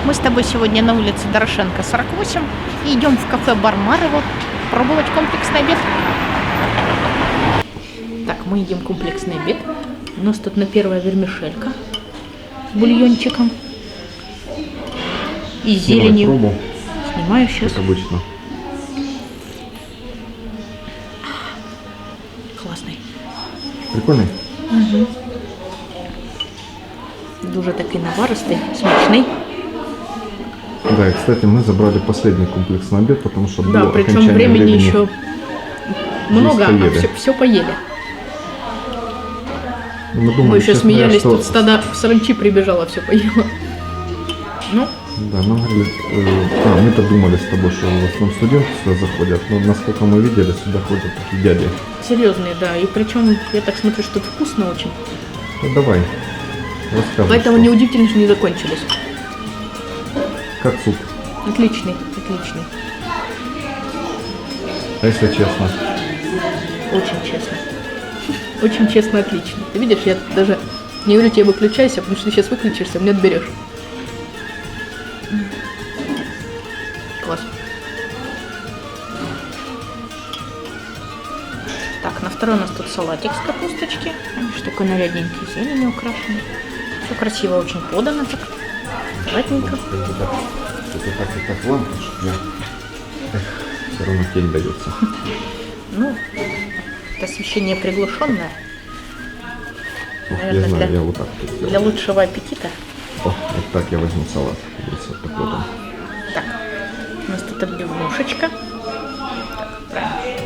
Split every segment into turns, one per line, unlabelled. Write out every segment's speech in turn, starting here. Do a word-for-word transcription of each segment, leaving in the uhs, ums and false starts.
Мы с тобой сегодня на улице Дорошенко, сорок восемь, и идем в кафе Бар Марево пробовать комплексный обед. Так, мы едим комплексный обед. У нас тут на первая вермишелька с бульончиком и зеленью.
Пробу.
Снимаю сейчас.
Как обычно.
Классный.
Прикольный?
Угу. Дуже такий наваристий, смачний.
Да, и, кстати, мы забрали последний комплексный обед, потому что
Да,
было
причем
окончание
времени,
времени
еще много,
поели.
а все, все поели.
Мы, думали,
Мы еще
честно говоря,
смеялись,
что...
тут стадо саранчи прибежало, все поело. Ну,
Да, мы говорили, э, а, мы-то думали с тобой, что в основном студенты сюда заходят, но насколько мы видели, сюда ходят такие дяди.
серьезные, да. И причем, я так смотрю, что тут вкусно очень.
Ну давай, рассказывай.
Поэтому
что.
неудивительно, что не закончились.
Как суп?
Отличный, отличный.
А если честно?
Очень честно. Очень честно, отлично. Ты видишь, я даже не говорю тебе выключайся, потому что ты сейчас выключишься, мне отберешь. Класс. Так, на второй у нас тут салатик с капусточки. Видишь, такой нарядненький, зеленью украшенный. Все красиво очень подано так. Аккуратненько.
Это так и так лампа, что я... Эх, все равно тень дается.
Ну, это освещение приглушенное.
Ох,
Наверное,
я знаю,
для-
я вот так вот
Для
сделаю.
лучшего аппетита.
О, вот так я возьму салат. Видите, вот такой там.
Так, у нас тут отбивнушечка. Так,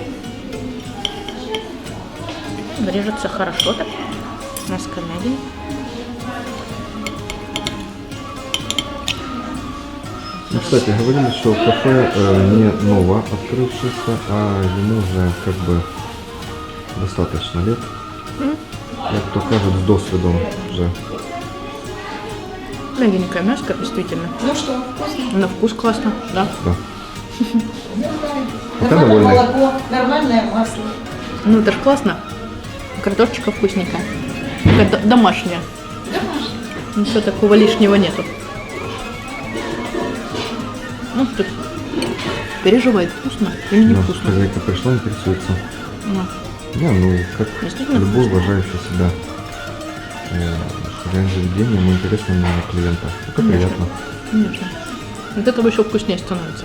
правильно. Режется хорошо так. Мяско мягенькое.
Ну, кстати, говорили, что кафе э, не ново открывшееся, а ему уже как бы достаточно лет.
М.
Як то кажут, с досвидом уже.
Мягенькое мяско, действительно.
Ну что, вкусно?
На вкус классно, да.
Да. Пока
Нормальное
довольны.
молоко, нормальное масло.
Ну это ж классно. Картошечка вкусненькая. Такая д- домашняя.
Домашнее.
Ничего такого лишнего нету. Ну, тут переживает, вкусно или
Наша
невкусно.
хозяйка пришла, интересуется.
Ну,
Я, ну, как
Действительно
любой
вкусно.
уважающий себя э, хозяин заведения, ему интересно мнение клиента. Это
Конечно.
приятно.
конечно. Вот этого еще вкуснее становится.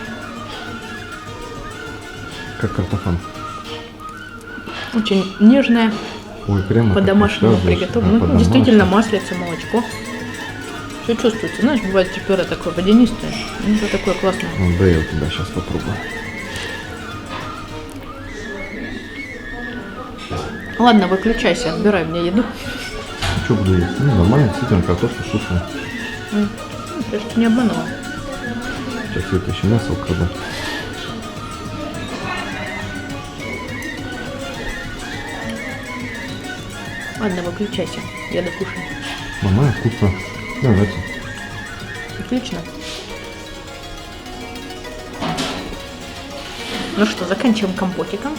Как картофан.
Очень нежная,
Ой, прямо
по-домашнему
так рассказываешь.
приготовлена.
А,
Ну,
по-домашнему.
действительно, маслица, молочко. Все чувствуется. Знаешь, бывает пюре такое водянистое. Ну, это такое классное.
Ну, да, я у тебя сейчас попробую.
Ладно, выключайся, отбирай мне еду.
Что буду есть? Ну, нормально, действительно, картошка вкусная.
М. Ну, я ж тебя не обманула.
Сейчас я это еще мясо украду.
Ладно, выключайся. Я докушаю.
Нормально, вкусно. Давайте.
Отлично. Ну что, заканчиваем компотиком.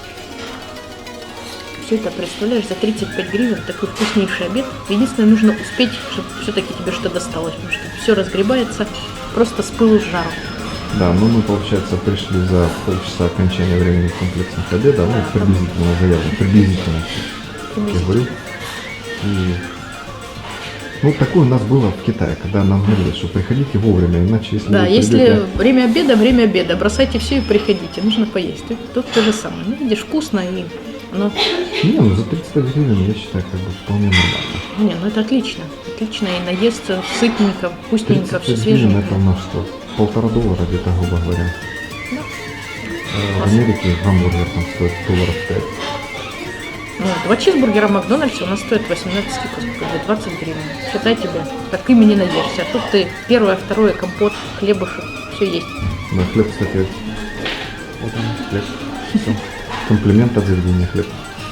Все это, представляешь, за тридцать пять гривен такой вкуснейший обед. Единственное, нужно успеть, чтобы все-таки тебе что досталось, потому что все разгребается просто с пылу с жару.
Да, ну мы, получается, пришли за полчаса окончания времени комплексных обеда, ну, приблизительно заявлено, приблизительно, я говорю. И, ну, такое у нас было в Китае, когда нам говорили, что приходите вовремя, иначе если
Да,
вы
если
придете...
время обеда, время обеда, бросайте все и приходите, нужно поесть. Тут, тут то же самое. Ну, видишь, вкусно и оно...
Не, ну за тридцать пять гривен, я считаю, как бы вполне нормально.
Не, ну это отлично. Отлично и наесться сытненько, вкусненько, все
тридцать пять гривен
свеженько.
это у нас что, полтора доллара где-то, грубо говоря.
Да.
А в Америке гамбургер там стоит долларов пять.
Ну, два чизбургера в Макдональдсе у нас стоят восемнадцать, сколько, сколько, двадцать гривен. Считай тебе, так ими наешься. А тут ты первое, второе, компот, хлебушек, все есть.
Да, хлеб, кстати, вот он, хлеб. Всё. Комплимент от заведения хлеб.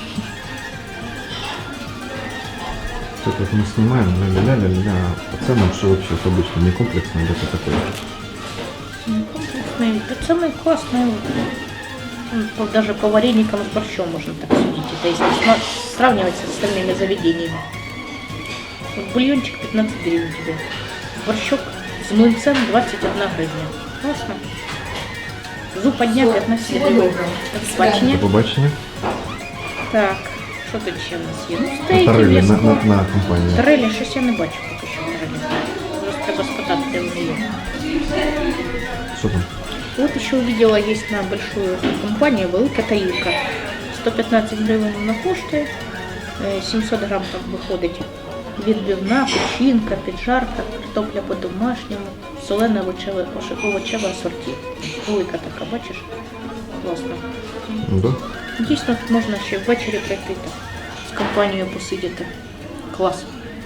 Тут вот мы снимаем, ля-ля-ля-ля-ля, а по ценам, что вообще это обычно не комплексное, где-то такое.
Комплексные, это самые классные. Ну, по- даже по вареникам с борщом можно так судить. Это если сма- сравнивать с остальными заведениями. Вот бульончик пятнадцать гривен тебе. Борщок З млинцем двадцять одна гривня. Класно. Зупа дня п'ятнадцять
Всего
гривень.
доброго.
До побачення.
До побачення.
Так, що тут ще в нас є? Ну,
На
стейки,
тарелі, на,
м'ясо.
на, на компанії.
Тарелі щось я не бачу поки що тарелі. Зараз треба спитати, де вони є.
Що там?
Вот еще увидела, есть на большую компанию велика таїлка. сто п'ятнадцять гривень вона коштує, е, сімсот грам там виходить. Відбивна, печінка, піджарка, картопля по-домашньому, солене овочеве, овочеве асорті. Велика така, бачиш? Класно.
Ну, да?
Дійсно, тут можна ще ввечері прийти так, з компанією посидіти. Клас.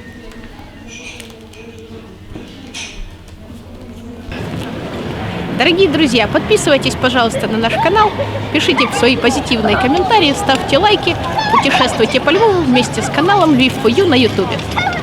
Дорогие друзья, подписывайтесь, пожалуйста, на наш канал, пишите свои позитивные комментарии, ставьте лайки, путешествуйте по Львову вместе с каналом Львив фор ю на ютубе.